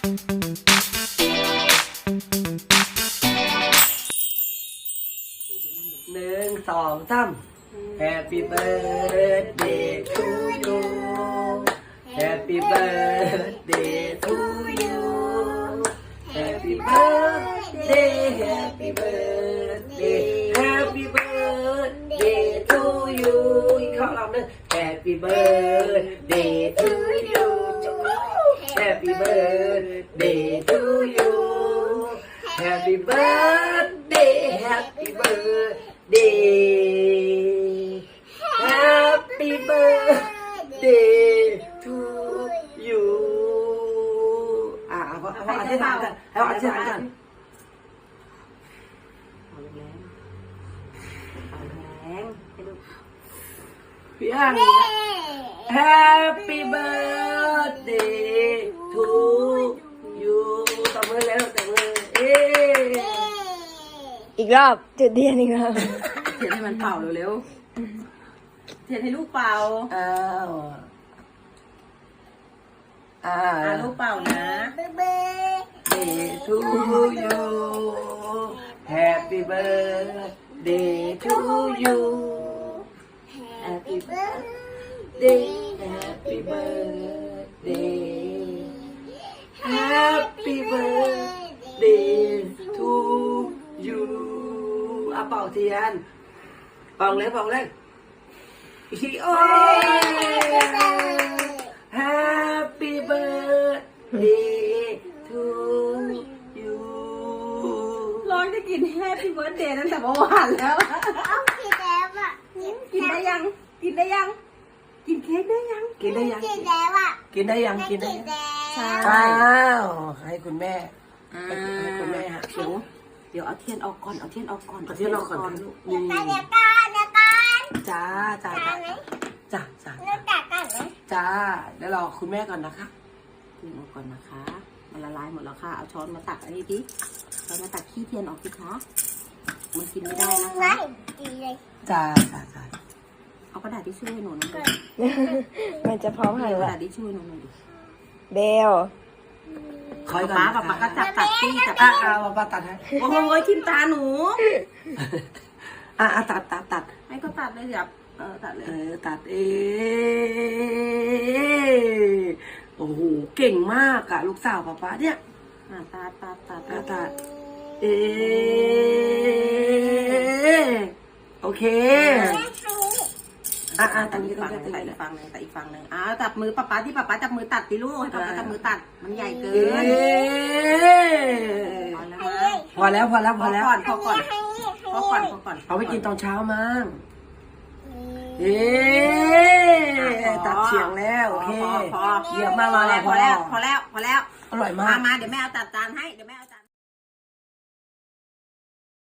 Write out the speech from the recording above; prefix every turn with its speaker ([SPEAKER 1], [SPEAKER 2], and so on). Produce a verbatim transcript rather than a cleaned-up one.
[SPEAKER 1] หนึ่งสองสาม Happy birthday to you Happy birthday to you Happy birthday Happy birthday Happy birthday to you อีกข้อรอบนึง Happy birthday to you Happy birthday to you Happy birthday Happy birthday Happy birthday to you อ่ะเอาเอาเอาอธิษฐานกันเอาอธิษฐานกันเอาแรงเอาแรงให้ลูกพี่อ่าง Happy birthday to you ตบมือแล้วตบมือเอ๊
[SPEAKER 2] อีกรอบจุดเทียนอีกรอบ
[SPEAKER 3] เทียนให้มันเป่าเร็วๆเทียนให้ลูกเป่า
[SPEAKER 1] อ้าวอ่า
[SPEAKER 3] อ่าลูกเป่านะ
[SPEAKER 1] Day to you Happy birthday to you Happy birthday Happy birthday Happy birthday to you อ่ะเป่าเทียนเป่าเลยเป่าเลยอีโอ้ย Happy birthday to you
[SPEAKER 3] ร้องจะกินแฮปปี้เบิร์ธเดย์ตั้งแต่เมื่อวานแล้ว
[SPEAKER 4] เอากินแล้วอ่ะ
[SPEAKER 3] กินได้ยัง กินได้ยัง กินเค้กได้ยัง
[SPEAKER 1] กินได้ยัง
[SPEAKER 4] กินแล้วอ่ะ
[SPEAKER 1] กินได้ยังกินได้
[SPEAKER 4] กิน
[SPEAKER 1] ยัง
[SPEAKER 4] แล้ว
[SPEAKER 3] ใช่
[SPEAKER 1] ว้าวให้คุณแม่
[SPEAKER 3] อ่า
[SPEAKER 1] ให้คุณแม่ฮะ
[SPEAKER 3] เดี๋ยวเดี๋ยวเอาเทียนออกก่อน เอาเทียนออกก่อน
[SPEAKER 1] เอาเทียนออกก่อน
[SPEAKER 3] ลูก
[SPEAKER 4] เดี๋ยวกันเดี๋ยวกันเดี๋ยวกัน
[SPEAKER 1] จ้าจ้า
[SPEAKER 4] กั
[SPEAKER 1] จ้าน
[SPEAKER 4] ไหม
[SPEAKER 1] จ้าจ้า
[SPEAKER 4] เริ่มจากกันไหม
[SPEAKER 1] จ้าเดี๋ยวรอคุณแม่ก่อนนะคะ
[SPEAKER 3] เทียนออกก่อนนะคะ มันละลายหมดแล้วค่ะ เอาช้อนมาตักอันนี้ดิช้อนมาตักขี้เทียนออกสิคะ มันกินไม่ได้นะ
[SPEAKER 4] ไม่
[SPEAKER 3] คะ
[SPEAKER 4] ดีเลย
[SPEAKER 1] จ้าจ้าจ้า
[SPEAKER 3] เอากระดาษที่ช่วยหนูหน่อยดิ
[SPEAKER 2] มันจะพร้อมหัน
[SPEAKER 3] เอากระ
[SPEAKER 2] ละ
[SPEAKER 3] ดาษที่ช่วยหนูหน่อยดิ
[SPEAKER 2] เบล
[SPEAKER 1] คอยก่อน
[SPEAKER 3] ป๊า
[SPEAKER 1] นะ
[SPEAKER 3] ป๊า
[SPEAKER 1] คะ
[SPEAKER 3] ป๊าก็จับตัดซี่จับ
[SPEAKER 1] อ่ะอ่ะมาป้าตัดให้
[SPEAKER 3] โอ้โหทิมตาหนู
[SPEAKER 1] อ่ะอ่ะตัดตัดตัด
[SPEAKER 3] ให้ก็ตัดเลยอย่าเออตัดเลย
[SPEAKER 1] เออตัดเองโอ้โหเก่งมากอะลูกสาวป้าป้าเนี่ย
[SPEAKER 3] อ่าตัดตัดตัด
[SPEAKER 1] อ่ะตัดเอโอเคอ่ะอ่ะต
[SPEAKER 3] ตั
[SPEAKER 1] ร
[SPEAKER 3] ด
[SPEAKER 1] งนี้
[SPEAKER 3] อีก
[SPEAKER 1] ก็
[SPEAKER 3] ฝั่งห
[SPEAKER 1] ได้
[SPEAKER 3] นึ่ง
[SPEAKER 1] ตรง
[SPEAKER 3] ตัด
[SPEAKER 1] นี้
[SPEAKER 3] อีกฝั่งหนึ่งตัดอีกฝั่งหนึ่งอ้าวจับมือป๊าป๊าที่ป๊าป๊าจับมือตัดดิลูกให้ป๊าป๊าจับมือตัดมันใหญ่เกิ
[SPEAKER 1] เอน
[SPEAKER 3] พอแล้วมั้ง
[SPEAKER 1] พอแล้วพอแล้วพอแล้ว
[SPEAKER 3] พอก่อนพอก่อนพอก่อนพอก่อน
[SPEAKER 1] เอาไปกินตอนเช้ามั้งเอ๊ตัดเฉียงแล้วโอเค
[SPEAKER 3] พอพอ
[SPEAKER 1] เยี่ยมมากเลย
[SPEAKER 3] พอแล้วพอแล้วพอแล้ว
[SPEAKER 1] อร่อยมา
[SPEAKER 3] มาก มาเดี๋ยวแม่เอาตัดจานให้เดี๋ยวแม่เอาจาน